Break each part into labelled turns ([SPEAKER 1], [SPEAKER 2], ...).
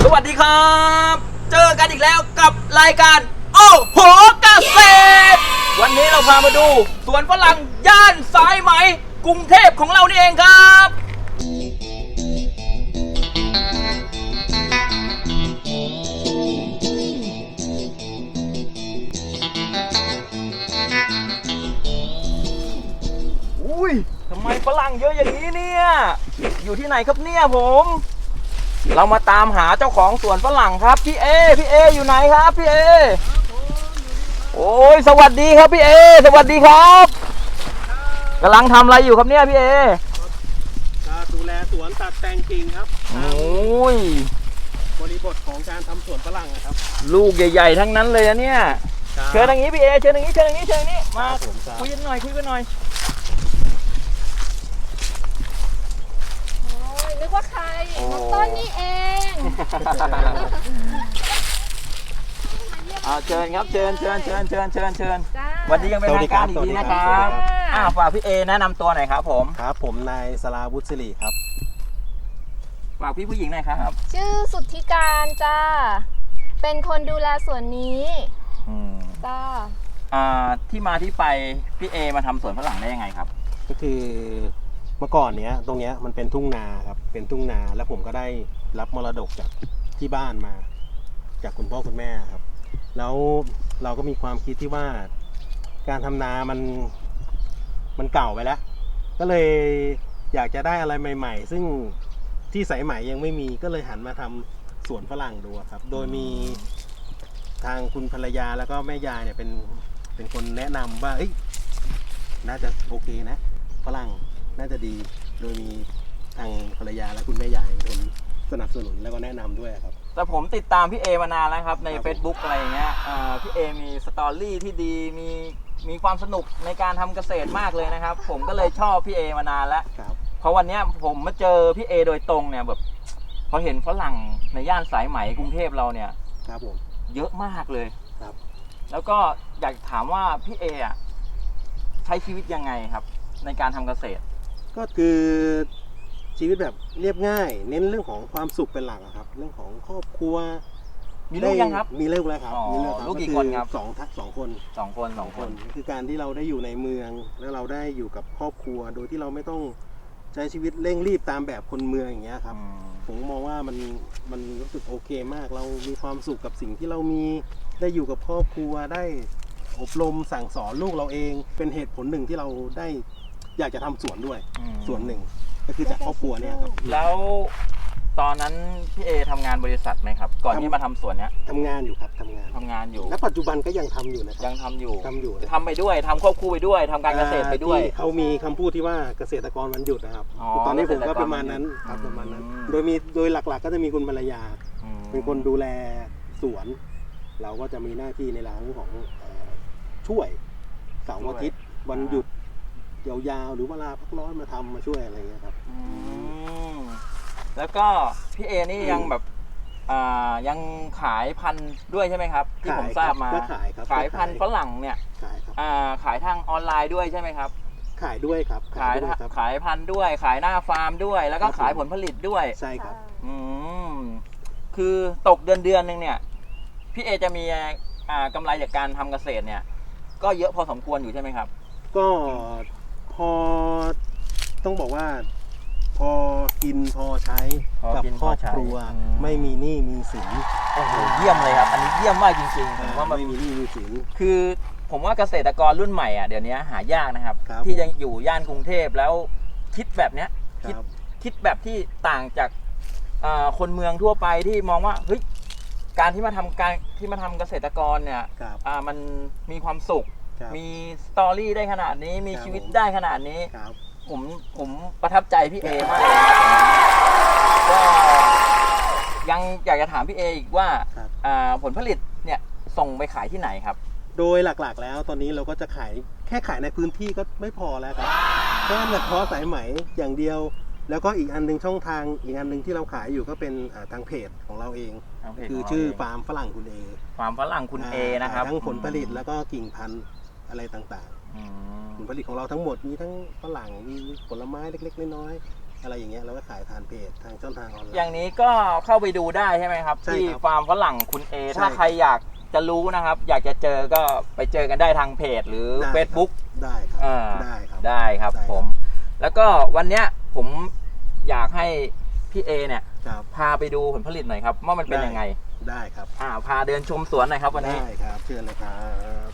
[SPEAKER 1] สวัสดีครับเจอกันอีกแล้วกับรายการโอ้โหเกษตรวันนี้เราพามาดูสวนฝรั่งย่านสายไหมกรุงเทพของเรานี่เองครับอุ้ยทำไมฝรั่งเยอะอย่างนี้เนี่ยอยู่ที่ไหนครับเนี่ยผมเรามาตามหาเจ้าของสวนฝรั่งครับพี่เออยู่ไหนครับพี่เอโอ้ยสวัสดีครับพี่เอสวัสดีครับกำลังทำอะไรอยู่ครับเนี่ยพี่เอ
[SPEAKER 2] ดูแลสวนตัดแต่งกิ่งครับ
[SPEAKER 1] โอ้ย
[SPEAKER 2] บริบทของการทำสวนฝรั่งนะครับ
[SPEAKER 1] ลูกใหญ่ๆทั้งนั้นเลยนะเนี่ยเชิญทางนี้พี่เอเชิญทางนี้มาคุยกันหน่อย
[SPEAKER 3] นึกว่าใครน้องต้นนี่เอง
[SPEAKER 1] เชิญครับเชิญวันนี้ยังเป็นทางการอีกทีนะครับฝากพี่เอแนะนำตัวหน่อยครับผม
[SPEAKER 2] ครับผมนายสราวุฒิศิริครับ
[SPEAKER 1] ฝากพี่ผู้หญิงหน่อยครับ
[SPEAKER 3] ชื่อสุทธิการจ้าเป็นคนดูแลสวนนี้จ้า
[SPEAKER 1] ที่มาที่ไปพี่เอมาทำสวนฝรั่งได้ยังไงครับ
[SPEAKER 2] ก็คือเมื่อก่อนเนี้ยตรงเนี้ยมันเป็นทุ่งนาครับเป็นทุ่งนาแล้วผมก็ได้รับมรดกจากที่บ้านมาจากคุณพ่อคุณแม่ครับแล้วเราก็มีความคิดที่ว่าการทำนามันเก่าไปแล้วก็เลยอยากจะได้อะไรใหม่ๆซึ่งที่สายไหมยังไม่มีก็เลยหันมาทำสวนฝรั่งดูครับโดยมีทางคุณภรรยาแล้วก็แม่ยายเนี่ยเป็นคนแนะนำว่าน่าจะโอเคนะฝรั่งน่าจะดีโดยมีทางภรรยาและคุณแม่ยายเป็นคนสนับสนุนแล้วก็แนะนำด้วยครับ
[SPEAKER 1] แต่ผมติดตามพี่เอมานานแล้วครับใน Facebook อะไรอย่างเงี้ยพี่เอมีสตอรี่ที่ดีมีความสนุกในการทำเกษตรมากเลยนะครับผมก็เลยชอบพี่เอมานานแล้วเพราะวันนี้ผมมาเจอพี่เอโดยตรงเนี่ยแบบพอเห็นฝรั่งในย่านสายไหมกรุงเทพเราเนี่ย
[SPEAKER 2] ครับผม
[SPEAKER 1] เยอะมากเลย
[SPEAKER 2] ครับ
[SPEAKER 1] แล้วก็อยากถามว่าพี่เอใช้ชีวิตยังไงครับในการทำเกษตร
[SPEAKER 2] ก็คือชีวิตแบบเรียบง่ายเน้นเรื่องของความสุขเป็นหลักครับเรื่องของครอบครัว
[SPEAKER 1] มีลูกยังครับ
[SPEAKER 2] มีลูกแล้วครับ
[SPEAKER 1] ลูกกี่คนครับ
[SPEAKER 2] สองคนคือการที่เราได้อยู่ในเมืองแล้วเราได้อยู่กับครอบครัวโดยที่เราไม่ต้องใช้ชีวิตเร่งรีบตามแบบคนเมืองอย่างเงี้ยครับผมมองว่ามันรู้สึกโอเคมากเรามีความสุขกับสิ่งที่เรามีได้อยู่กับครอบครัวได้อบรมสั่งสอนลูกเราเองเป็นเหตุผลหนึ่งที่เราได้อยากจะทำสวนด้วยส่วนหนึ่งก็คือจากครอบครัวเนี่ยครับ
[SPEAKER 1] แล้วตอนนั้นพี่เอทำงานบริษัทไหมครับก่อนที่มาทำสวนเนี้ย
[SPEAKER 2] ทำงานอยู่ครับทำงานอยู่และปัจจุบันก็ยังทำอยู่นะครับ
[SPEAKER 1] ยังทำอยู่ทำไปด้วยทำควบคู่ไปด้วยทำการเกษตรไปด้วย
[SPEAKER 2] เขามีคำพูดที่ว่าเกษตรกรวันหยุดนะครับตอนนี้ผมก็ประมาณนั้นครับประมาณนั้นโดยหลักๆก็จะมีคุณภรรยาเป็นคนดูแลสวนเราก็จะมีหน้าที่ในเรื่องของช่วยเสาร์อาทิตย์วันหยุดยาวๆหรือเวลาพักร้อนมาทำมาช่วยอะไรเงี้ยครับ
[SPEAKER 1] แล้วก็พี่เอนี่ยังแบบยังขายพันธุ์ด้วยใช่ไหมครับที่ผมทราบมาขายพันธุ์ฝรั่งเนี่ยขายทางออนไลน์ด้วยใช่ไหมครับ
[SPEAKER 2] ขายด้วยครับ
[SPEAKER 1] ขายพันธุ์ด้วยขายหน้าฟาร์มด้วยแล้วก็ขายผลผลิตด้วย
[SPEAKER 2] ใช่ครับ
[SPEAKER 1] คือตกเดือนนึงเนี่ยพี่เอจะมีกำไรจากการทำเกษตรเนี่ยก็เยอะพอสมควรอยู่ใช่ไหมครับ
[SPEAKER 2] ก็พอต้องบอกว่าพอกินพอใช้กับครอบครัวไม่มีหนี้มีสิน
[SPEAKER 1] โอ้โหเยี่ยมเลยครับอันนี้เยี่ยมมากจริงๆผมว่า
[SPEAKER 2] ไม่มีหนี้มีสิน
[SPEAKER 1] คือผมว่าเกษตรกรรุ่นใหม่เดี๋ยวนี้หายากนะครับที่ยังอยู่ย่านกรุงเทพแล้วคิดแบบเนี้ยคิดแบบที่ต่างจากคนเมืองทั่วไปที่มองว่าเฮ้ยการที่มาทำเกษตรกรเนี่ยมันมีความสุขมีสตอรี่ได้ขนาดนี้มีชีวิตได้ขนาดนี้ผมประทับใจพี่เอมากก็ยังอยากจะถามพี่เออีกว่าผลผลิตเนี่ยส่งไปขายที่ไหนครับ
[SPEAKER 2] โดยหลักๆแล้วตอนนี้เราก็จะขายในพื้นที่ก็ไม่พอแล้วครับก็เฉพาะสายไหมอย่างเดียวแล้วก็อีกอันนึงช่องทางอีกอันนึงที่เราขายอยู่ก็เป็นทางเพจของเราเองคือชื่อฟาร์มฝรั่งคุณเอ
[SPEAKER 1] ฟาร์มฝรั่งคุณเอนะครับ
[SPEAKER 2] ทั้งผลผลิตแล้วก็กิ่งพันธุ์อะไรต่างๆผลผลิตของเราทั้งหมดมีทั้งฝรั่งมีผลไม้เล็กๆน้อยๆอะไรอย่างเงี้ยเราก็ขายทางเพจทางช่องทางออนไลน์
[SPEAKER 1] อย่างนี้ก็เข้าไปดูได้ใช่ไหมครับ
[SPEAKER 2] ใช่
[SPEAKER 1] ที่
[SPEAKER 2] ครับ
[SPEAKER 1] ฟาร์มฝรั่งคุณเอ
[SPEAKER 2] ใช่
[SPEAKER 1] ถ้าใครอยากจะรู้นะครับ อยากจะเจอก็ไปเจอกันได้ทางเพจหรือ
[SPEAKER 2] ได้ครับ
[SPEAKER 1] Facebook
[SPEAKER 2] ได้ครับ
[SPEAKER 1] อ่า
[SPEAKER 2] ได้ครับ
[SPEAKER 1] ได้ครับ
[SPEAKER 2] ได้ครับ
[SPEAKER 1] ผม แล้วก็วันเนี้ยผมอยากให้พี่เอเนี่ย
[SPEAKER 2] ครับ
[SPEAKER 1] พาไปดูผลผลิตหน่อยครับว่ามันเป็นยังไง
[SPEAKER 2] ได้ครับ
[SPEAKER 1] พาเดินชมสวนหน่อยครับวันนี้
[SPEAKER 2] ได้ครับเชิญเลยครับ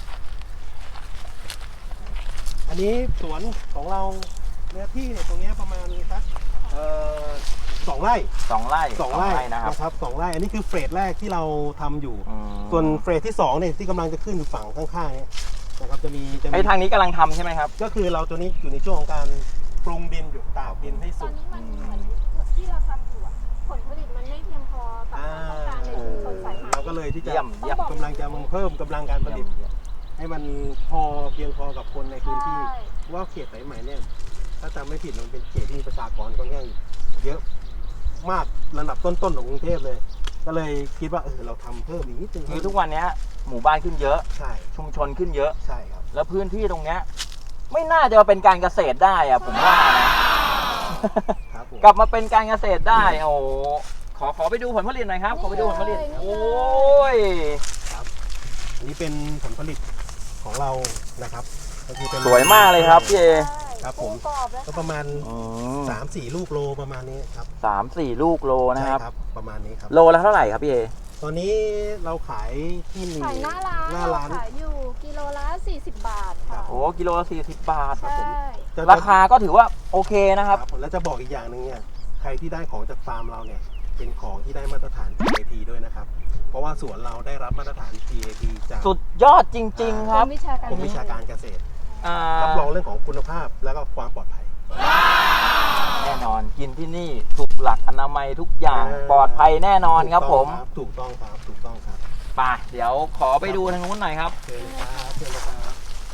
[SPEAKER 2] อันนี้สวนของเราเนื้อที่เนี่ยตรงเนี้ยประมาณสัก2 ไร่
[SPEAKER 1] 2 ไร่
[SPEAKER 2] 2 ไร่
[SPEAKER 1] นะครับ
[SPEAKER 2] 2 ไร่อันนี้คือเฟสแรกที่เราทำอยู่
[SPEAKER 1] อืม
[SPEAKER 2] ส่วนเฟสที่2เนี่ยที่กำลังจะขึ้นอยู่ฝั่งข้างๆเนี่ยนะครับจะมี
[SPEAKER 1] ไอ้ทางนี้กำลังทำใช่ไหมครับ
[SPEAKER 2] ก็คือเราตัวนี้อยู่ในช่วงของการปรุงดินอยู่ตากดินให้
[SPEAKER 3] ต
[SPEAKER 2] สุ
[SPEAKER 3] อน
[SPEAKER 2] ก
[SPEAKER 3] นี้มันเหมือนที่เราทำอยู่อะผลผลิตมันไม่เพียงพอต่อความต้องการในชุมชนสายไหม
[SPEAKER 2] เราก็เลยที่จะ
[SPEAKER 1] เยี่ยม
[SPEAKER 2] กำลังจะเพิ่มกำลังการผลิต ให้มันพอเพียงพอกับคนในพื้นที่
[SPEAKER 3] ใช่
[SPEAKER 2] ว่าเขตสายไหมเนี่ยถ้าจำไม่ผิดมันเป็นเขตที่มีประชากรค่อนข้างเยอะมากระดับต้นๆของกรุงเทพเลย ก็เลยคิดว่าเราทำเพิ่มอีกนิดนึง
[SPEAKER 1] คือทุกวันเนี้ยหมู่บ้านขึ้นเยอะ
[SPEAKER 2] ใช่
[SPEAKER 1] ชุมชนขึ้นเยอะ
[SPEAKER 2] ใช่ครับ
[SPEAKER 1] แล้วพื้นที่ตรงเนี้ยไม่น่าจะมาเป็นการเกษตรได้อะผมว่านะ
[SPEAKER 2] ครับผม
[SPEAKER 1] กลับมาเป็นการเกษตรได้โอ้โหขอไปดูผลผลิตหน่อยครับ ขอไปดูผลผลิต
[SPEAKER 3] นี่เลย
[SPEAKER 1] โอ้ย
[SPEAKER 2] อันนี้เป็นผลผลิตของเรานะครับก็คือเป็น
[SPEAKER 1] สวยมากเลยครับพี่เอ
[SPEAKER 2] ครับผม
[SPEAKER 3] กรอบแล้ว
[SPEAKER 2] ก็ประมาณ 3-4 ลูกโลประมาณนี้ครับ
[SPEAKER 1] 3-4 ลูกโลนะครับ
[SPEAKER 2] ใช่ครับประมาณนี้ครับ
[SPEAKER 1] โลละเท่าไหร่ครับพี่เอ
[SPEAKER 2] ตอนนี้เราขายที่
[SPEAKER 3] ขายหน้าร้าน
[SPEAKER 2] หน้าร้าน
[SPEAKER 3] ขายอยู่กิโลละ40 บาทค่ะ
[SPEAKER 1] โอ้กิโลละ40 บาท
[SPEAKER 3] ใช่
[SPEAKER 2] จะ
[SPEAKER 1] ราคาก็ถือว่าโอเคนะครับ
[SPEAKER 2] แล้วจะบอกอีกอย่างหนึ่งเนี่ยใครที่ได้ของจากฟาร์มเราเนี่ยเป็นของที่ได้มาตรฐาน GAP ด้วยนะครับ เพราะว่าสวนเราได้รับมาตรฐาน GAP จาก
[SPEAKER 1] สุดยอดจริง ๆ ครับ
[SPEAKER 3] กรมวิชาการ
[SPEAKER 2] กรมวิชาการเกษตร
[SPEAKER 1] อ่า
[SPEAKER 2] รับรองเรื่องของคุณภาพแล้วก็ความปลอดภัย
[SPEAKER 1] แน่นอนกินที่นี่ถูกหลักอนามัยทุกอย่างปลอดภัยแน่นอนครับผม
[SPEAKER 2] ถูกต้องครับถูกต้องครับ
[SPEAKER 1] ไปเดี๋ยวขอไปดูทางนู้นหน่อยครับ
[SPEAKER 2] เชิญเลยครับเชิญเลยครับ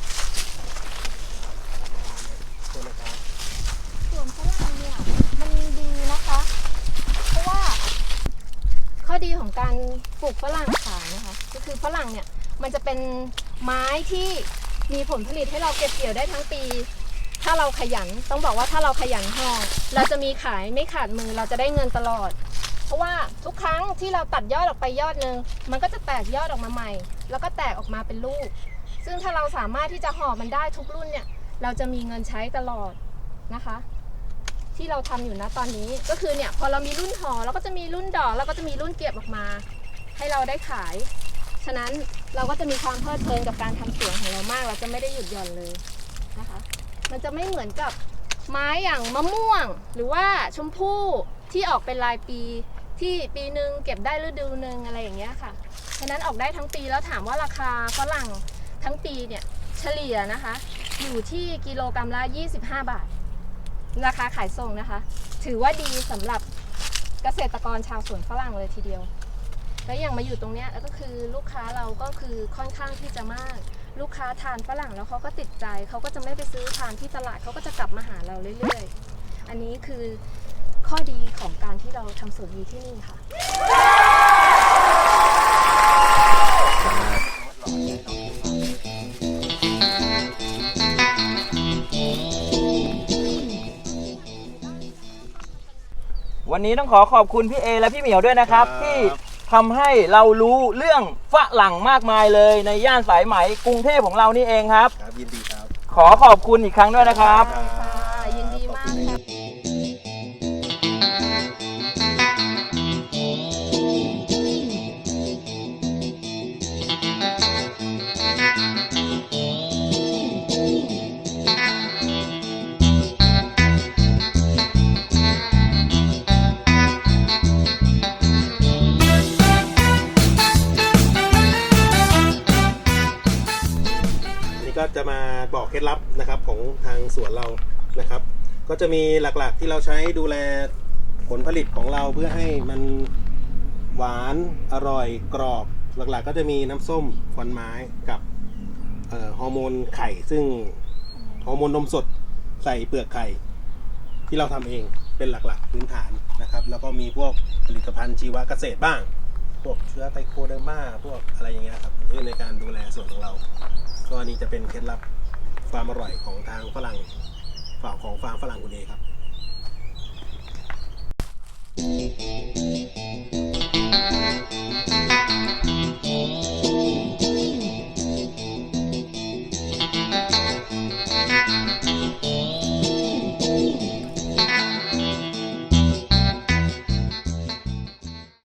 [SPEAKER 2] เชิญเลยครับ
[SPEAKER 3] ส่วนฝรั่งเนี่ยมันดีนะคะ เพราะว่าข้อดีของการปลูกฝรั่งขายนะคะก็คือฝรั่งเนี่ยมันจะเป็นไม้ที่มีผลผลิตให้เราเก็บเกี่ยวได้ทั้งปี ถ้าเราขยันต้องบอกว่าถ้าเราขยันห่อเราจะมีขายไม่ขาดมือเราจะได้เงินตลอด เพราะว่าทุกครั้งที่เราตัดยอดออกไปยอดนึงมันก็จะแตกยอดออกมาใหม่ แล้วก็แตกออกมาเป็นลูก ซึ่งถ้าเราสามารถที่จะห่อมันได้ทุกรุ่นเนี่ยเราจะมีเงินใช้ตลอดนะคะ ที่เราทำอยู่นะตอนนี้ก็คือเนี่ยพอเรามีรุ่นห่อเราก็จะมีรุ่นดอกแล้วก็จะมีรุ่นเก็บออกมา ให้เราได้ขาย ฉะนั้นเราก็จะมีความเพลิดเพลินกับการทำสวนของเรามากเราจะไม่ได้หยุดหย่อนเลยนะคะ มันจะไม่เหมือนกับไม้อย่างมะม่วง หรือว่าชมพู่ที่ออกเป็นรายปีที่ปีหนึ่งเก็บได้ฤดูหนึ่งอะไรอย่างเงี้ยค่ะฉะนั้นออกได้ทั้งปีแล้วถามว่าราคาฝรั่งทั้งปีเนี่ยเฉลี่ยนะคะอยู่ที่กิโลกรัมละ25 บาท ราคาขายส่งนะคะ ถือว่าดีสำหรับเกษตรกรชาวสวนฝรั่งเลยทีเดียว แล้วอย่างมาอยู่ตรงเนี้ยก็คือลูกค้าเราก็คือค่อนข้างที่จะมาก ลูกค้าทานฝรั่งแล้วเขาก็ติดใจเขาก็จะไม่ไปซื้อทานที่ตลาดเขาก็จะกลับมาหาเราเรื่อยๆ อันนี้คือข้อดีของการที่เราทำสวนอยู่ที่นี่ค่ะ
[SPEAKER 1] วันนี้ต้องขอขอบคุณพี่เอและพี่เหมียวด้วยนะครับ
[SPEAKER 2] ครับ
[SPEAKER 1] ที่ทำให้เรารู้เรื่องฝรั่งมากมายเลยในย่านสายไหมกรุงเทพของเรานี่เองครับ
[SPEAKER 2] ครับยินดีครับ
[SPEAKER 1] ขอขอบคุณอีกครั้งด้วยนะครับ
[SPEAKER 3] ใช่ค่ะยินดีมากค่ะ
[SPEAKER 2] อันนี้ก็จะมาบอกเคล็ดลับนะครับของทางสวนเรานะครับ ก็จะมีหลักๆที่เราใช้ดูแลผลผลิตของเราเพื่อให้มันหวานอร่อยกรอบหลักๆก็จะมีน้ำส้มควันไม้กับฮอร์โมนไข่ซึ่งฮอร์โมนนมสดใส่เปลือกไข่ที่เราทำเองเป็นหลักๆพื้นฐานนะครับแล้วก็มีพวกผลิตภัณฑ์ชีวเกษตรบ้างพวกเชื้อไตโคเดอร์มาพวกอะไรอย่างเงี้ยครับในการดูแลส่วนของเรา ก็อันนี้จะเป็นเคล็ดลับความอร่อยของทางฝรั่งของฟาร์มฝรั่งคุณเอครับ